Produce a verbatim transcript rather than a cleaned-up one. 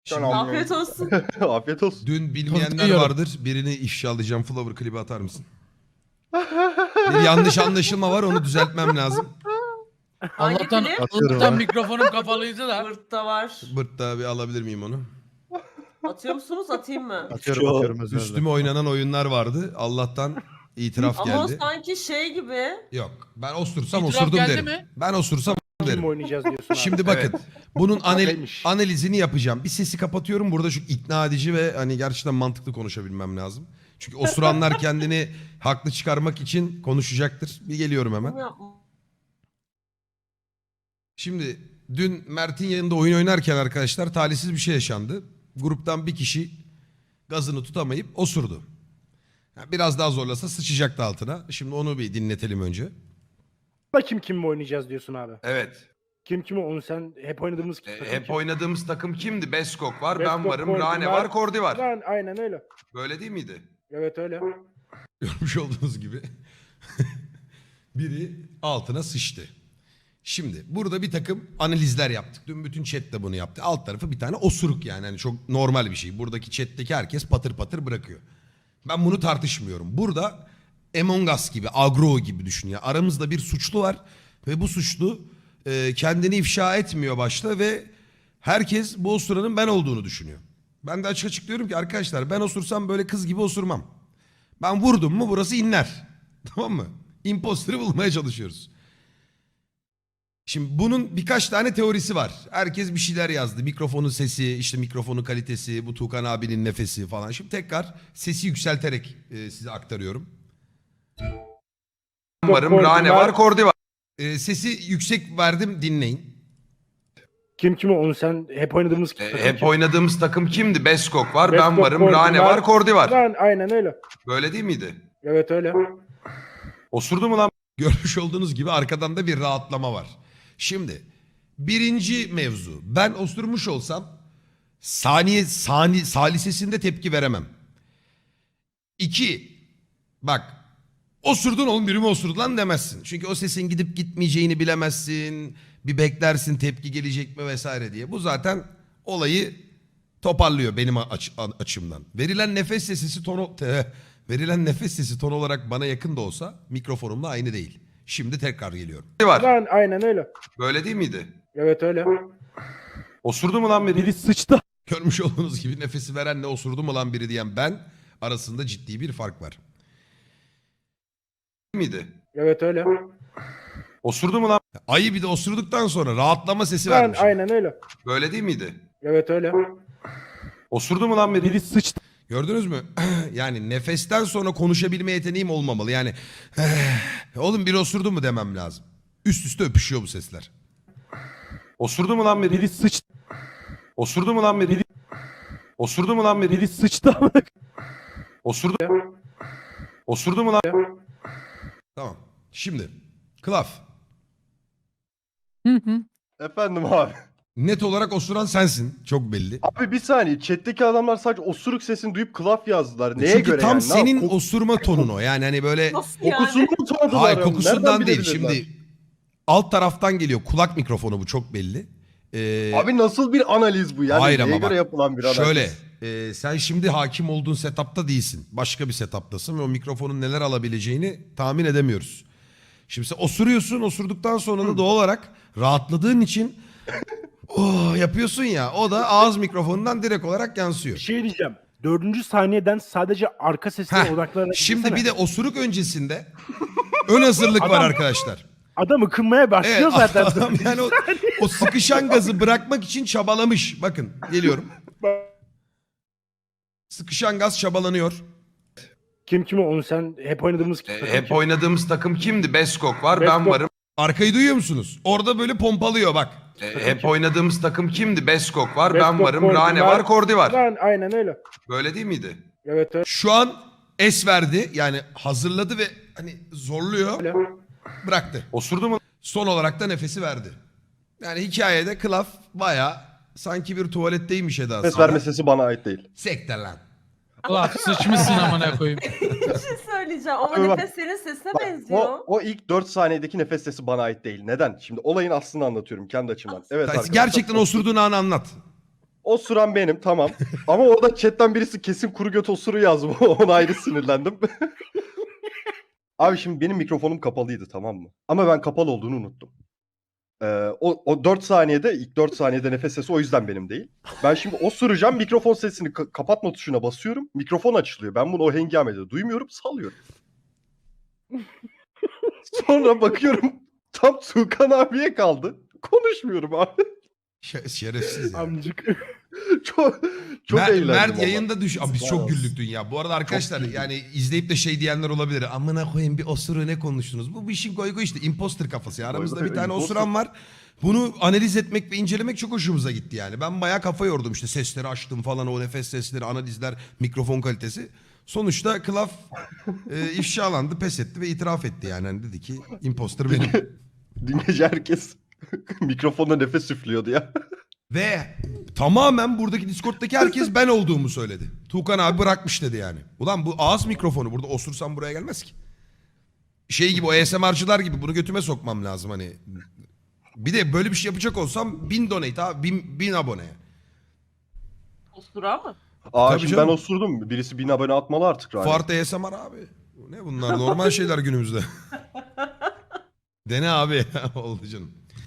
Şimdi Afiyet olsun. Afiyet olsun. dün bilmeyenler Yiyorum. vardır. Birini ifşalayacağım. Flower klibi atar mısın? Bir yanlış anlaşılma var, onu düzeltmem lazım. Hangi Allah'tan, klip? Allah'tan mikrofonum kapalıydı da. Bırt'ta var. Bırt'ta bir alabilir miyim onu? Atıyor musunuz? Atayım mı? Atıyorum atıyorum özür Üstüme oynanan oyunlar vardı. Allah'tan itiraf Ama o geldi. sanki şey gibi. Yok. Ben osursam İtiraf osurdum geldi derim. mi? Ben osursam derim. Kim oynayacağız diyorsun abi. Şimdi bakın. Bunun anal- Neymiş? analizini yapacağım. Bir sesi kapatıyorum. Burada şu ikna edici ve hani gerçekten mantıklı konuşabilmem lazım. Çünkü osuranlar kendini haklı çıkarmak için konuşacaktır. Bir geliyorum hemen. Bunu yapma. Şimdi dün Mert'in yanında oyun oynarken arkadaşlar talihsiz bir şey yaşandı. Gruptan bir kişi gazını tutamayıp osurdu. Yani biraz daha zorlasa sıçacaktı altına. Şimdi onu bir dinletelim önce. Kim kimle oynayacağız diyorsun abi. Evet. Kim kimi onu sen hep oynadığımız kim? takım E, hep kim? oynadığımız takım kimdi? Beskok var, ben Beskok, varım, Kordi Rane var. var, Kordi var. Lan, aynen öyle. Böyle değil miydi? Evet öyle. Görmüş olduğunuz gibi. Biri altına sıçtı. Şimdi burada bir takım analizler yaptık. Dün bütün chat de bunu yaptı. Alt tarafı bir tane osuruk yani. yani çok normal bir şey. Buradaki chat'teki herkes patır patır bırakıyor. Ben bunu tartışmıyorum. Burada Among Us gibi, Agro gibi düşün ya. Aramızda bir suçlu var ve bu suçlu e, kendini ifşa etmiyor başta ve herkes bu osuranın ben olduğunu düşünüyor. Ben de açık açık diyorum ki arkadaşlar ben osursam böyle kız gibi osurmam. Ben vurdum mu burası inler. Tamam mı? Imposter'ı bulmaya çalışıyoruz. Şimdi bunun birkaç tane teorisi var. Herkes bir şeyler yazdı. Mikrofonun sesi, işte mikrofonun kalitesi, bu Tuğkan abinin nefesi falan. Şimdi tekrar sesi yükselterek e, size aktarıyorum. Varım, Kordi Rane var. var, Kordi var. E, sesi yüksek verdim, dinleyin. Kim kimi onu sen hep oynadığımız kim? E, takım hep kim? oynadığımız takım kimdi? Beskok var, ben Beskok, varım, Kordi Rane var. var, Kordi var. Lan, aynen öyle. Böyle değil miydi? Evet öyle. Osurdu mu lan? Görmüş olduğunuz gibi arkadan da bir rahatlama var. Şimdi birinci mevzu. Ben osurmuş olsam saniye sani, salisesinde tepki veremem. İki, bak osurdun oğlum biri mi osurdu lan demezsin. Çünkü o sesin gidip gitmeyeceğini bilemezsin. Bir beklersin tepki gelecek mi vesaire diye. Bu zaten olayı toparlıyor benim aç, açımdan. Verilen nefes sesi tonu... Te, verilen nefes sesi ton olarak bana yakın da olsa mikrofonumla aynı değil. Şimdi tekrar geliyorum. Var. Lan, aynen öyle. Böyle değil miydi? Evet öyle. Osurdu mu lan biri? Biri sıçtı. Görmüş olduğunuz gibi nefesi verenle osurdu mu lan biri diyen ben arasında ciddi bir fark var. Miydi? Evet öyle. Osurdu mu lan? Ayı bir de osurduktan sonra rahatlama sesi Lan, vermiş. aynen öyle. Böyle değil miydi? Evet öyle. Osurdu mu lan biri? Biri sıçtı. Gördünüz mü? Yani nefesten sonra konuşabilme yeteneğim olmamalı. Yani oğlum biri osurdu mu demem lazım. Üst üste öpüşüyor bu sesler. Osurdu mu lan biri? Biri sıçtı. Osurdu mu lan biri? Osurdu mu lan biri? Biri sıçtı. Osurdu. Osurdu mu lan? Tamam. Şimdi Klaf. Hı hı. Efendim abi. Net olarak osuran sensin. Çok belli. Abi bir saniye. Chat'teki adamlar sadece osuruk sesini duyup klaf yazdılar. Neye Çünkü göre tam yani? Ne senin yap- osurma tonun o. Yani hani böyle Nasıl yani? Kokusunu mu tanıdılar? hayır yani? kokusundan Nereden değil. bilebilirler? Şimdi alt taraftan geliyor. Kulak mikrofonu bu çok belli. Ee, Abi nasıl bir analiz bu? Yani Hayır neye ama göre bak, yapılan bir analiz? şöyle e, sen şimdi hakim olduğun setupta değilsin. Başka bir setuptasın ve o mikrofonun neler alabileceğini tahmin edemiyoruz. Şimdi sen osuruyorsun. Osurduktan sonra da doğal olarak rahatladığın için oh, yapıyorsun ya. O da ağız mikrofonundan direkt olarak Bir yansıyor. şey diyeceğim. Dördüncü saniyeden sadece arka sesine Heh, odaklanarak Şimdi dinlesene. bir de osuruk öncesinde ön hazırlık var Adam- arkadaşlar. Adam ıkınmaya başlıyor Evet, zaten. adam yani o, o sıkışan gazı bırakmak için çabalamış. Bakın geliyorum. Sıkışan gaz çabalanıyor. Kim kimi onu sen hep oynadığımız kim? takım kim? oynadığımız takım kimdi? Beskok var, Beskok. Arkayı duyuyor musunuz? Orada böyle pompalıyor bak. hep oynadığımız takım kimdi? Beskok var, Beskok, Kordi var. Kordi Lan, aynen öyle. Böyle değil miydi? Evet öyle. Şu an es verdi. Yani hazırladı ve hani zorluyor. Bıraktı. Osurdu mu? Son olarak da nefesi verdi. Yani hikayede Klaf baya sanki bir tuvaletteymiş edası. Ses verme sesi bana ait değil. Sekte lan. Ulan sıçmışsın amına koyayım. Bir şey söyleyeceğim. Ama Abi bak- nefes senin sesine Bak, benziyor. o, o ilk dört saniyedeki nefes sesi bana ait değil. Neden? Şimdi olayın aslını anlatıyorum kendi açımdan. Evet Sen arkadaşlar. gerçekten osurduğun anı anlat. Osuran benim tamam. Ama orada chatten birisi kesin kuru göt osuru yazmış. Ona ayrı sinirlendim. Abi şimdi benim mikrofonum kapalıydı tamam mı? Ama ben kapalı olduğunu unuttum. Ee, o, o dört saniyede, ilk dört saniyede nefes sesi o yüzden benim değil. Ben şimdi osuracağım, mikrofon sesini ka- kapatma tuşuna basıyorum. Mikrofon açılıyor. Ben bunu o hengamede duymuyorum, salıyorum. Sonra bakıyorum tam Tuğkan abiye kaldı. Konuşmuyorum abi. Şe- şerefsiz ya. Amcık. Çok çok Mert, eğlendim Mert ama. yayında düş. Abi biz çok Yazıklar güldük dün ya. Bu arada arkadaşlar güldük. yani izleyip de şey diyenler olabilir. Amına koyayım bir osuru ne konuştunuz? Bu bir işin goygo işte. Imposter kafası ya. Aramızda Goy goy, bir tane imposter. osuran var. Bunu analiz etmek ve incelemek çok hoşumuza gitti yani. Ben bayağı kafa yordum işte sesleri açtım falan o nefes sesleri, analizler, mikrofon kalitesi. Sonuçta Klaf e, ifşalandı, pes etti ve itiraf etti yani. Hani dedi ki imposter benim. Dün gece herkes mikrofonda nefes üflüyordu ya. Ve tamamen buradaki Discord'daki herkes ben olduğumu söyledi. Tuğkan abi bırakmış dedi yani. Ulan bu ağız mikrofonu burada osursam buraya gelmez ki. Şey gibi o A S M R'cılar gibi bunu götüme sokmam lazım hani. Bir de böyle bir şey yapacak olsam bin donate abi bin, bin abone. Osura mı? Aa Tabii şimdi canım. ben osurdum. Birisi bin abone atmalı artık. Rani. Fart A S M R abi. Bu ne bunlar normal şeyler günümüzde. Dene abi oldu canım.